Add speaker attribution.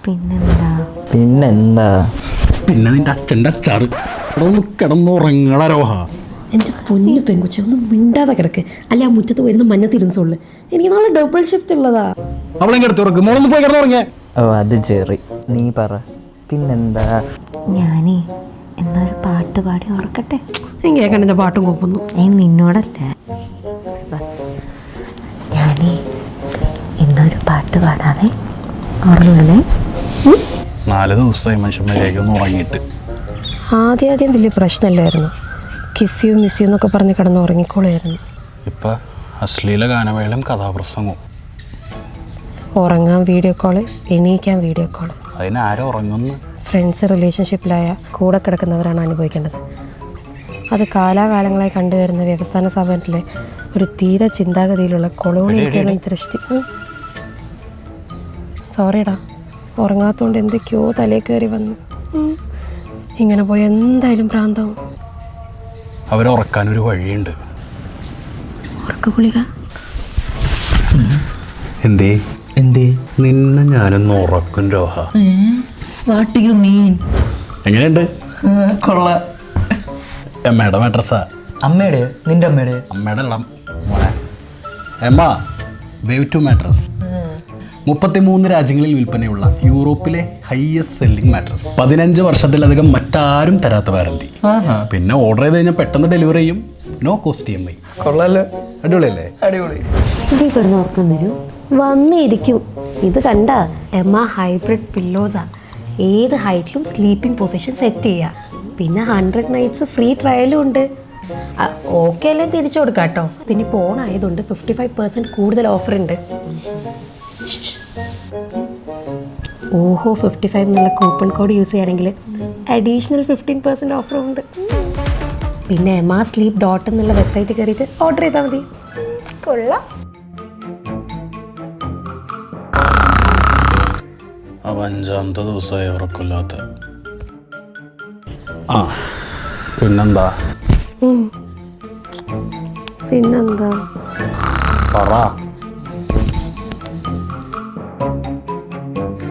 Speaker 1: പിന്നെന്താ
Speaker 2: പിന്നെ നിന്റെ അച്ഛൻ്റെ അച്ചാറ് കിടന്നുറങ്ങട രോഹ.
Speaker 3: എൻ്റെ പൊന്നു പെങ്കുച്ച ഒന്നും മിണ്ടാതെ കിടക്ക്. അല്ലെ ആ മുറ്റത്ത് വരുന്ന മഞ്ഞത്തിരുന്നോള്. എനിക്ക് നാളെ ഡബിൾ ഷിഫ്റ്റ് ഉള്ളതാ.
Speaker 2: അവളെ കിടത്തി ഉറക്കും. മോളൊന്ന് പോയി കിടന്നുറങ്ങേ.
Speaker 1: ഓ അത് ചെറി, നീ പറ പിന്നെന്താ.
Speaker 4: ഞാനേ എന്നൊരു പാട്ട് പാടി ഉറക്കട്ടെ.
Speaker 3: ഞാൻ കേൾക്കണ്ട, എൻ്റെ പാട്ടും കോപ്പുന്നു.
Speaker 4: നിന്നോടല്ല, ഞാനേ എന്നൊരു പാട്ട് പാടാവേ. ഉറങ്ങണേ.
Speaker 2: 4 ദിവസമായി മനുഷ്യന്മാരേക്കൊന്ന് ഉറങ്ങിയിട്ട്.
Speaker 3: ആദ്യം വലിയ പ്രശ്നമില്ലായിരുന്നു. കിസ് യു മിസ് യു എന്നൊക്കെ പറഞ്ഞ് കിടന്ന് ഉറങ്ങിക്കോളായിരുന്നു.
Speaker 2: ഇപ്പം അശ്ലീല ഗാനമേളം കഥാപ്രസംഗവും.
Speaker 3: ഉറങ്ങാൻ വീഡിയോ കോള്, എണീക്കാൻ വീഡിയോ കോള്.
Speaker 2: അതിനാരും ഉറങ്ങുന്നു?
Speaker 3: ഫ്രണ്ട്സ് റിലേഷൻഷിപ്പിലായ കൂടെ കിടക്കുന്നവരാണ് അനുഭവിക്കേണ്ടത്. അത് കാലാകാലങ്ങളായി കണ്ടുവരുന്ന വ്യവസായ സ്ഥാപനത്തിലെ ഒരു തീരെ ചിന്താഗതിയിലുള്ള കൊളോണിയൽ ദൃഷ്ടി. സോറിടാ, ഉറങ്ങാത്തതുകൊണ്ട് എന്തൊക്കെയോ തലയിൽ കയറി വന്നു. ഇങ്ങനെ പോയി എന്തായാലും ഭ്രാന്താവും.
Speaker 2: അവരെ ഉറക്കാനൊരു വഴിയുണ്ട്.
Speaker 3: ഉറക്ക ഗുളിക.
Speaker 2: എന്തേ നിന്നെ ഞാനൊന്ന് ഉറക്കും രോഹ.
Speaker 1: What you mean?
Speaker 2: എങ്ങനെയുണ്ട്?
Speaker 1: കൊള്ളാം.
Speaker 2: എമ്മയുടെ മാട്രസാ.
Speaker 1: അമ്മയുടെ? നിന്റെ അമ്മയുടെ?
Speaker 2: അമ്മയുടെ ഇളം മോനെ എമ്മ വേവ് ടു മാട്രസ്. 33 രാജ്യങ്ങളിൽ വിൽപ്പനയുള്ള യൂറോപ്പിലെ ഹയസ്റ്റ് സെല്ലിംഗ് മാട്രസ്. 15 വർഷത്തിലധികം മറ്റാരും തരാത്ത വാറണ്ടി. പിന്നെ ഓർഡർ ചെയ്ത് കഴിഞ്ഞാൽ പെട്ടെന്ന് ഡെലിവറി ചെയ്യും. No cost EMI.
Speaker 1: കൊള്ളാലോ.
Speaker 2: അടിപൊളിയല്ലേ?
Speaker 1: അടിപൊളി.
Speaker 3: ഇതിൽ കിടന്ന് ഉറക്കം വരും, വന്നിരിക്കും. ഇത് കണ്ട എമ്മ ഹൈബ്രിഡ് പില്ലോസാ. ഏത് ഹൈറ്റിലും സ്ലീപ്പിംഗ് പൊസിഷൻ സെറ്റ് ചെയ്യുക. പിന്നെ 100 നൈറ്റ്സ് ഫ്രീ ട്രയലും ഉണ്ട്. ഓക്കെ അല്ലേ തിരിച്ചു കൊടുക്കാം കേട്ടോ. പിന്നെ ഇപ്പോൾ ഓണായതുകൊണ്ട് 55% കൂടുതൽ ഓഫർ ഉണ്ട്. ഓഹോ, 55 എന്നുള്ള കൂപ്പൺ കോഡ് യൂസ് ചെയ്യുകയാണെങ്കിൽ അഡീഷണൽ 15% ഓഫറും ഉണ്ട്. പിന്നെ emmasleep.in എന്നുള്ള വെബ്സൈറ്റ് കയറിയിട്ട് ഓർഡർ ചെയ്താൽ മതി. കൊള്ളാം.
Speaker 2: അവ 5ാമത്തെ ദിവസമായി ഉറക്കില്ലാത്ത. പിന്നെന്താ
Speaker 3: പിന്നെന്താ
Speaker 2: പറ.